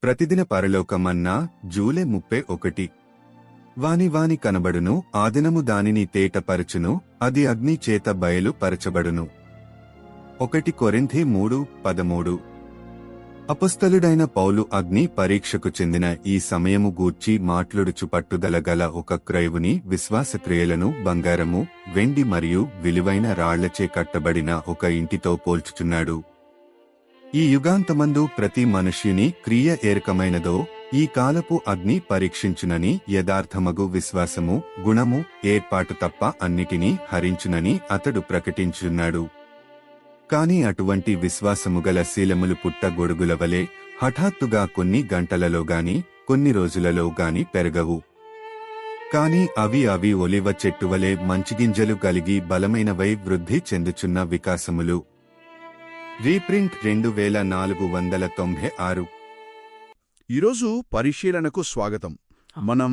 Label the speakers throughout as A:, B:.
A: ప్రతిదిన పరలోకమన్నా July 31. వాని కనబడును ఆదినము దానిని తేటపరచును అది అగ్ని చేత బయలు పరచబడును. 1 కొరింథీ 3:13. అపొస్తలుడైన పౌలు అగ్ని పరీక్షకు చెందిన ఈ సమయము గూర్చి మాట్లాడుచు పట్టుదల గల ఒక క్రైవుని విశ్వాసక్రియలను బంగారము, వెండి మరియు విలువైన రాళ్లచే కట్టబడిన ఒక ఇంటితో పోల్చుచున్నాడు. ఈ యుగాంతమందు ప్రతి మనుష్యుని క్రియ ఏరకమైనదో ఈ కాలపు అగ్ని పరీక్షించునని యథార్థమగు విశ్వాసము, గుణము, ఏర్పాటు తప్ప అన్నిటినీ హరించునని అతడు ప్రకటించున్నాడు. కాని అటువంటి విశ్వాసముగల శీలములు పుట్ట గొడుగులవలే హఠాత్తుగా కొన్ని గంటలలోగాని కొన్ని రోజులలోగాని పెరగవు. కాని అవి ఒలివ చెట్టువలే మంచిగింజలు కలిగి బలమైనవై వృద్ధి చెందుచున్న వికాసములు. రీప్రింట్ 2496.
B: ఈరోజు పరిశీలనకు స్వాగతం. మనం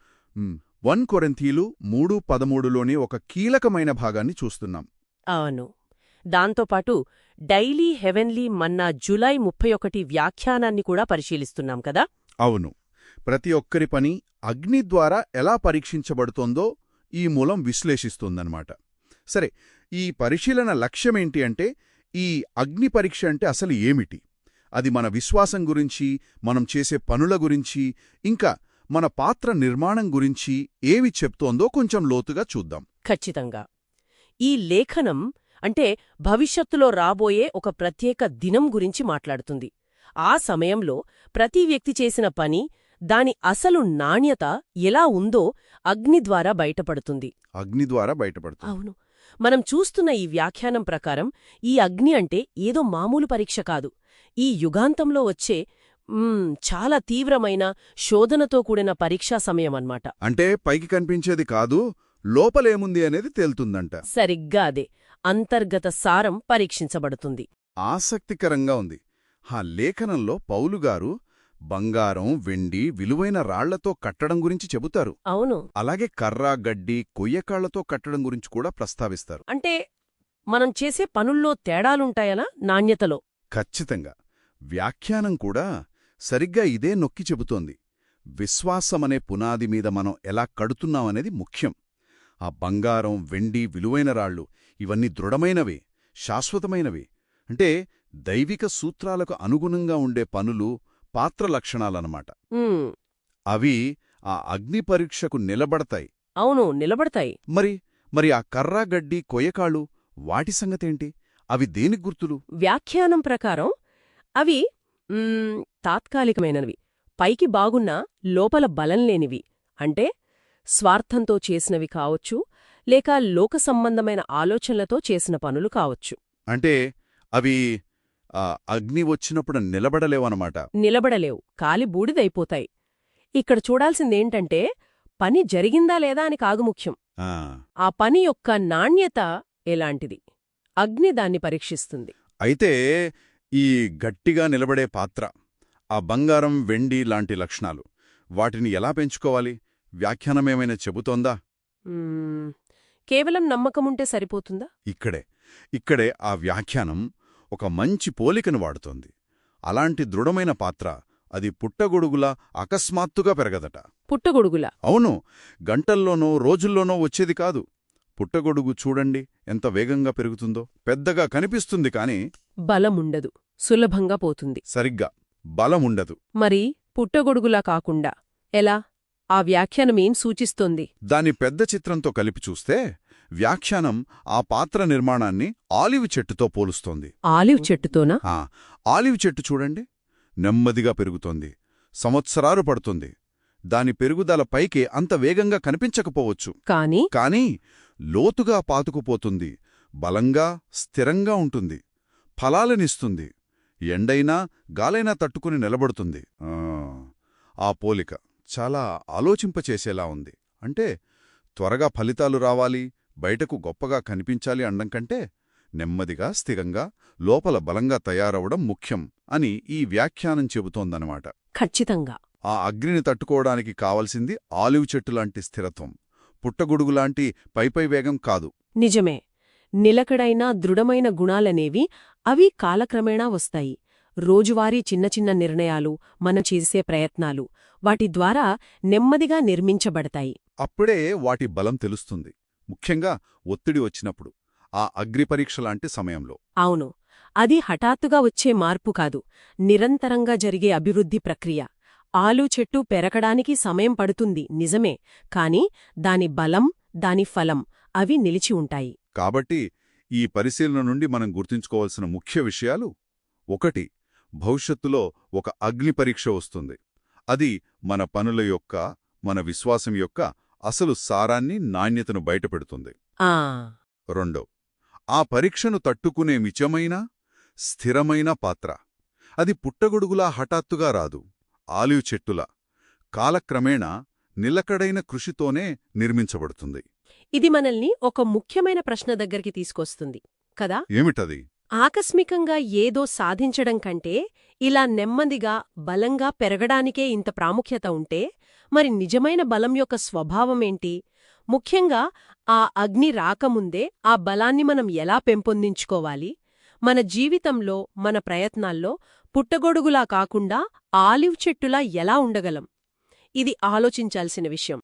B: 1 కొరింథీలు 3:13లోని ఒక కీలకమైన భాగాన్ని చూస్తున్నాం.
C: అవును. దాంతోపాటు డైలీ హెవెన్లీ మన్నా జూలై 31 వ్యాఖ్యానాన్ని కూడా పరిశీలిస్తున్నాం కదా.
B: అవును. ప్రతి ఒక్కరి పని అగ్ని ద్వారా ఎలా పరీక్షించబడుతోందో ఈ మూలం విశ్లేషిస్తుందన్నమాట. సరే, ఈ పరిశీలన లక్ష్యమేంటి అంటే, ఈ అగ్ని పరీక్ష అంటే అసలు ఏమిటి, అది మన విశ్వాసం గురించి, మనం చేసే పనుల గురించి, ఇంకా మన పాత్ర నిర్మాణం గురించి ఏమి చెప్తోందో కొంచెం లోతుగా చూద్దాం.
C: ఖచ్చితంగా. ఈ లేఖనం అంటే భవిష్యత్తులో రాబోయే ఒక ప్రత్యేక దినం గురించి మాట్లాడుతుంది. ఆ సమయంలో ప్రతి వ్యక్తి చేసిన పని, దాని అసలు నాణ్యత ఎలా ఉందో అగ్ని ద్వారా బయటపడుతుంది.
B: అగ్ని ద్వారా బయటపడుతుంది.
C: అవును. మనం చూస్తున్న ఈ వ్యాఖ్యానం ప్రకారం ఈ అగ్ని అంటే ఏదో మామూలు పరీక్ష కాదు. ఈ యుగాంతంలో వచ్చే చాలా తీవ్రమైన శోధనతో కూడిన పరీక్షా సమయమన్నమాట.
B: అంటే పైకి కనిపించేది కాదు, లోపలేముంది అనేది తేలుతుందంట.
C: సరిగ్గా అదే. అంతర్గత సారం పరీక్షించబడుతుంది.
B: ఆసక్తికరంగా ఉంది. ఆ లేఖనంలో పౌలుగారు బంగారం, వెండి, విలువైన రాళ్లతో కట్టడం గురించి చెబుతారు.
C: అవును.
B: అలాగే కర్ర, గడ్డి, కొయ్యకాళ్లతో కట్టడం గురించి కూడా ప్రస్తావిస్తారు.
C: అంటే మనం చేసే పనుల్లో తేడాలుంటాయనా నాణ్యతలో?
B: ఖచ్చితంగా. వ్యాఖ్యానం కూడా సరిగ్గా ఇదే నొక్కి చెబుతోంది. విశ్వాసమనే పునాది మీద మనం ఎలా కడుతున్నామనేది ముఖ్యం. ఆ బంగారం, వెండి, విలువైన రాళ్ళు ఇవన్నీ దృఢమైనవే, శాశ్వతమైనవే. అంటే దైవిక సూత్రాలకు అనుగుణంగా ఉండే పనులు, పాత్ర లక్షణాలన్నమాట. అవి ఆ అగ్ని పరీక్షకు నిలబడతాయి.
C: అవును, నిలబడతాయి.
B: మరి ఆ కర్ర, గడ్డి, కొయ్యకాళ్ళు వాటి సంగతేంటి? అవి దేనికి గుర్తులు?
C: వ్యాఖ్యానం ప్రకారం అవి తాత్కాలికమైనవి, పైకి బాగున్నా లోపల బలంలేనివి. అంటే స్వార్థంతో చేసినవి కావచ్చు, లేక లోక సంబంధమైన ఆలోచనలతో చేసిన పనులు కావచ్చు.
B: అంటే అవి అగ్ని వచ్చినప్పుడు నిలబడలేవన్నమాట.
C: నిలబడలేవు, కాలి బూడిదైపోతాయి. ఇక్కడ చూడాల్సిందేంటంటే పని జరిగిందా లేదా అని కాదు ముఖ్యం, ఆ పని యొక్క నాణ్యత ఎలాంటిది. అగ్ని దాన్ని పరీక్షిస్తుంది.
B: అయితే ఈ గట్టిగా నిలబడే పాత్ర, ఆ బంగారం, వెండి లాంటి లక్షణాలు, వాటిని ఎలా పెంచుకోవాలి? వ్యాఖ్యానమేమైనా చెబుతోందా?
C: కేవలం నమ్మకముంటే సరిపోతుందా?
B: ఇక్కడే ఆ వ్యాఖ్యానం ఒక మంచి పోలికను వాడుతోంది. అలాంటి దృఢమైన పాత్ర అది పుట్టగొడుగులా అకస్మాత్తుగా పెరగదట.
C: పుట్టగొడుగులా?
B: అవును. గంటల్లోనో రోజుల్లోనో వచ్చేది కాదు. పుట్టగొడుగు చూడండి ఎంత వేగంగా పెరుగుతుందో. పెద్దగా కనిపిస్తుంది కాని
C: బలముండదు, సులభంగా పోతుంది.
B: సరిగ్గా, బలముండదు.
C: మరి పుట్టగొడుగులా కాకుండా ఎలా? ఆ వ్యాఖ్యానమేం సూచిస్తోంది?
B: దాని పెద్ద చిత్రంతో కలిపి చూస్తే వ్యాఖ్యానం ఆ పాత్ర నిర్మాణాన్ని ఆలివ్ చెట్టుతో పోలుస్తోంది.
C: ఆలివ్ చెట్టుతోనా?
B: ఆలివ్ చెట్టు చూడండి, నెమ్మదిగా పెరుగుతోంది, సంవత్సరాలు పడుతుంది. దాని పెరుగుదల పైకి అంత వేగంగా కనిపించకపోవచ్చు, కానీ లోతుగా పాతుకుపోతుంది, బలంగా, స్థిరంగా ఉంటుంది, ఫలాలనిస్తుంది, ఎండైనా గాలైనా తట్టుకుని నిలబడుతుంది. ఆ పోలిక చాలా ఆలోచింపచేసేలా ఉంది. అంటే త్వరగా ఫలితాలు రావాలి, బయటకు గొప్పగా కనిపించాలి అనడం కంటే నెమ్మదిగా, స్థిరంగా, లోపల బలంగా తయారవడం ముఖ్యం అని ఈ వ్యాఖ్యానం చెబుతోందనమాట.
C: ఖచ్చితంగా.
B: ఆ అగ్నిని తట్టుకోవడానికి కావలసింది ఆలివ్ చెట్టులాంటి స్థిరత్వం, పుట్టగొడుగులాంటి పైపై వేగం కాదు.
C: నిజమే. నిలకడైన దృఢమైన గుణాలనేవి అవి కాలక్రమేణా వస్తాయి. రోజువారీ చిన్న చిన్న నిర్ణయాలు, మనం చేసే ప్రయత్నాలు, వాటి ద్వారా నెమ్మదిగా నిర్మించబడతాయి.
B: అప్పుడే వాటి బలం తెలుస్తుంది. ముఖ్యంగా ఒత్తిడి వచ్చినప్పుడు, ఆ అగ్నిపరీక్ష లాంటి సమయంలో.
C: అవును, అది హఠాత్తుగా వచ్చే మార్పు కాదు, నిరంతరంగా జరిగే అభివృద్ధి ప్రక్రియ. ఆలు చెట్టు పెరగడానికి సమయం పడుతుంది నిజమే, కాని దాని బలం, దాని ఫలం అవి నిలిచి ఉంటాయి.
B: కాబట్టి ఈ పరిశీలన నుండి మనం గుర్తుంచుకోవాల్సిన ముఖ్య విషయాలు: 1. భవిష్యత్తులో ఒక అగ్నిపరీక్ష వస్తుంది. అది మన పనుల యొక్క, మన విశ్వాసం యొక్క అసలు సారాన్ని, నాణ్యతను బయటపెడుతుంది.
C: ఆ
B: 2. ఆ పరీక్షను తట్టుకునే మిచమైన, స్థిరమైన పాత్ర. అది పుట్టగొడుగులా హఠాత్తుగా రాదు. ఆలివ్ చెట్టులా కాలక్రమేణా నిలకడైన కృషితోనే నిర్మించబడుతుంది.
C: ఇది మనల్ని ఒక ముఖ్యమైన ప్రశ్న దగ్గరికి తీసుకొస్తుంది కదా.
B: ఏమిటది?
C: ఆకస్మికంగా ఏదో సాధించడం కంటే ఇలా నెమ్మదిగా, బలంగా పెరగడానికే ఇంత ప్రాముఖ్యత ఉంటే, మరి నిజమైన బలం యొక్క స్వభావమేంటి? ముఖ్యంగా ఆ అగ్ని రాకముందే ఆ బలాన్ని మనం ఎలా పెంపొందించుకోవాలి? మన జీవితంలో, మన ప్రయత్నాల్లో పుట్టగొడుగులా కాకుండా ఆలివ్ చెట్టులా ఎలా ఉండగలం? ఇది ఆలోచించాల్సిన విషయం.